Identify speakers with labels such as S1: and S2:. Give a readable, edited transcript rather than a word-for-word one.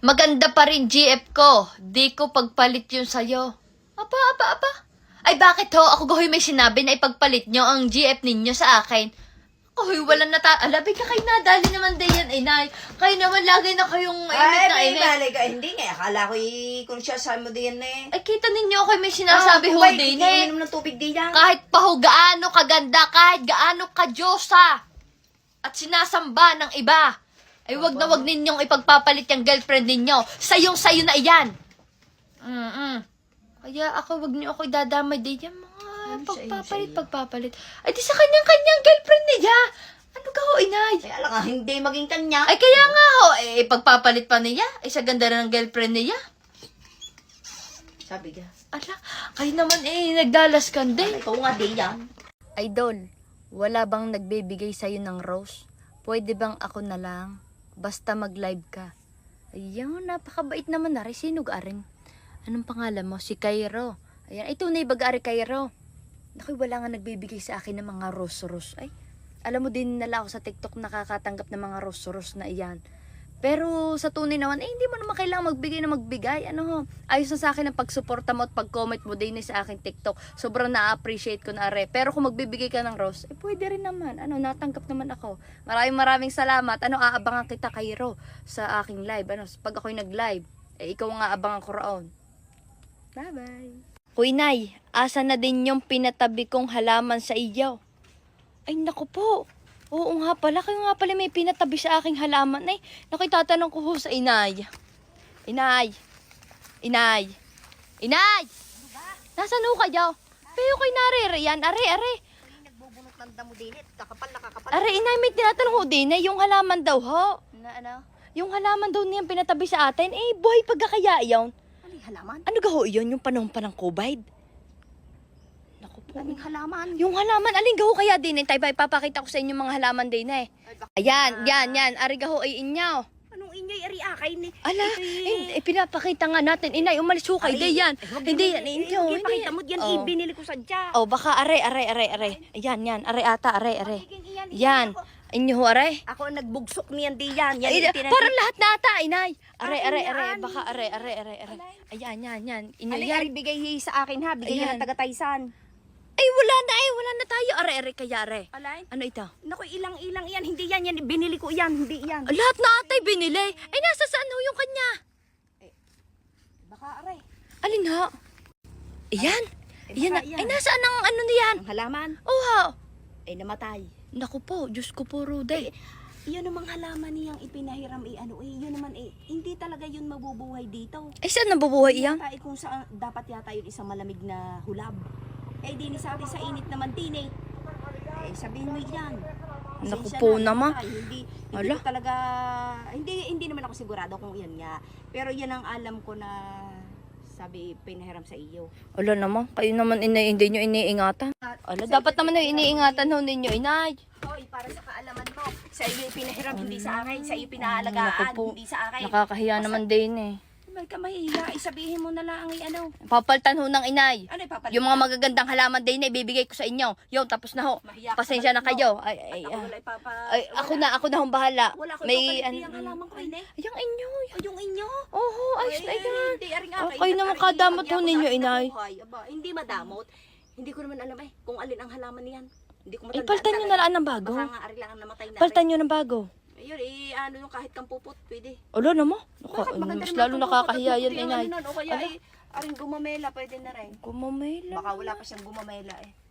S1: Maganda pa rin GF ko. Di ko pagpalit yun sa'yo. Apa. Ay bakit ho? Ako gahoy may sinabi na ipagpalit nyo ang GF ninyo sa akin. Kahoy walang alabi ka kayo nadali naman din yan, inay. Kayo naman lagi na kayong init na init.
S2: Ay, ka. Hindi nga. Akala ko i-conscious mo din eh.
S1: Ay kita ninyo ako may sinasabi ho din eh.
S2: Inom ng tubig din yan.
S1: Kahit pa ho gaano kaganda, kahit gaano kadyosa. At sinasamba ng iba. Ay wag na wag ninyong ipagpapalit yung girlfriend ninyo. Sayong-sayo na iyan. Kaya ako wag niyo ako idadamay din yan. Pagpapalit. Ay di sa kanyang girlfriend niya. Ano ka ho, inay?
S2: Kaya lang hindi maging kanya.
S1: Ay kaya nga ho, pagpapalit pa niya. Ay sa ganda na ng girlfriend niya.
S2: Sabi ka.
S1: Ala, kayo naman nagdalas ka din.
S2: Ikaw nga di yan.
S1: Idol, wala bang nagbibigay sa'yo ng rose? Pwede bang ako na lang? Basta mag-live ka. Ayun, napakabait naman na rin. Sino garing? Anong pangalan mo? Si Cairo. Ayan, ito na ibag-ari Cairo. Naku, wala nga nagbibigay sa akin ng mga rose-rose. Ay, alam mo din nala ako sa TikTok nakakatanggap ng mga rose-rose na iyan. Pero sa tunay naman, hindi mo naman kailangan magbigay. Ano ho? Ayos na sa akin ang pagsuporta mo at pag-comment mo din sa aking TikTok. Sobrang na-appreciate ko na are. Pero kung magbibigay ka ng rose, pwede rin naman. Ano, natanggap naman ako. Maraming salamat. Ano, aabangan kita Cairo sa aking live. Ano, pag ako'y nag-live, ikaw nga abangan ko roon. Bye-bye. Kuy Nay, asa na din yung pinatabi kong halaman sa iyo? Ay, naku po. Oo nga pala, kayo nga pala may pinatabi sa aking halaman. Ay, nakitatanong ko ho sa inay. Inay! Nasaan ho kayo? Pero ko'y narere yan. Are.
S2: Nagbubunot ng damo din eh. Kakapal.
S1: Are, inay, may tinatanong ho din eh. Yung halaman daw ho.
S2: Na ano?
S1: Yung halaman daw niyang pinatabi sa atin. Buhay pagkakaya yun.
S2: Ano yung halaman?
S1: Ano gaho yun? Yung panahon pa ng COVID? Naku po.
S2: Anong halaman?
S1: Yung halaman, alin gaho kaya din eh. Tayo ba, ipapakita ko sa inyo mga halaman din eh. Ayan. Ari gaho ay inyaw.
S2: Anong inyoy ari akay ni?
S1: Ala, pinapakita nga natin. Inay, umalis ho kayo. Hindi yan. Hindi yan. Inyo.
S2: Pakita mo diyan, ibinili ko sadya.
S1: Oh, baka are. Ayan. Are ata. Yan. Inyo ho, are.
S2: Ako ang nagbugsok niyan di yan.
S1: Parang lahat na ata, inay. Are. Baka are. Ayan. Inyo
S2: Alay,
S1: yan.
S2: ari bigay sa akin ha. Bigay
S1: Ayan.
S2: ng taga-Taysan.
S1: Ay, wala na tayo. Are, kaya are.
S2: Alay?
S1: Ano ito?
S2: Naku, ilang yan. Hindi yan. Binili ko yan. Hindi yan.
S1: Lahat na atay binili. Ay, nasa saan ho yung kanya?
S2: Baka aray.
S1: Alin ho? Iyan.
S2: Baka
S1: Ay, nasaan ang ano niyan?
S2: Ang halaman.
S1: Oh,
S2: Namatay.
S1: naku po, Diyos ko po, Ruday.
S2: Iyon namang halaman niyang ipinahiram yun naman hindi talaga yun mabubuhay dito.
S1: Ay, saan nabubuhay iyan?
S2: Yata kung saan dapat yata yun isang malamig na hulab. Di ni sabi sa init naman din sabihin mo yan.
S1: Naku
S2: Pasensya
S1: po
S2: na,
S1: naman.
S2: Hindi
S1: Ala.
S2: ko talaga, hindi naman ako sigurado kung yan nga. Pero yan ang alam ko na sabi pinahiram sa iyo.
S1: Ala naman, kayo naman hindi nyo iniingatan. Ala, dapat naman na iniingatan ho ninyo, inay.
S2: Hoy, para sa kaalaman mo, sa iyo pinahiram, hindi sa akin. Sa iyo pinaalagaan,
S1: Naku po.
S2: hindi sa akin.
S1: Nakakahiya naman din eh.
S2: May ka mahihiya, sabihin mo na lang
S1: Papaltan ho ng inay.
S2: Ano ipapalit?
S1: Yung mga magagandang halaman din ibibigay ko sa inyo. Yun, tapos na ho.
S2: Mahiya ka
S1: Pasensya na
S2: pala,
S1: kayo.
S2: no?
S1: Ay,
S2: Ako wala
S1: ako na hong bahala.
S2: Wala ko
S1: May,
S2: ipapalit yung halaman ko
S1: Yung inyo.
S2: Yung inyo?
S1: Oho, ayos na yan.
S2: Hindi, ari nga.
S1: Kayo naman kadamot ho ninyo, inay.
S2: Hindi madamot. Hindi ko naman alam kung alin ang halaman niyan. Hindi ko matandaan.
S1: Paltan nyo na lang ng bago.
S2: Baka nga ari lang ang namatay na.
S1: Paltan nyo ng bago.
S2: Ayun, ano yung kahit kang pupot, pwede.
S1: Ala naman.
S2: Bakit maganda
S1: Mas
S2: naman
S1: lalo
S2: kung
S1: nakakahiya
S2: pupot,
S1: yan, inay.
S2: O kaya aring gumamela, pwede na rin.
S1: Gumamela.
S2: Baka wala pa siyang gumamela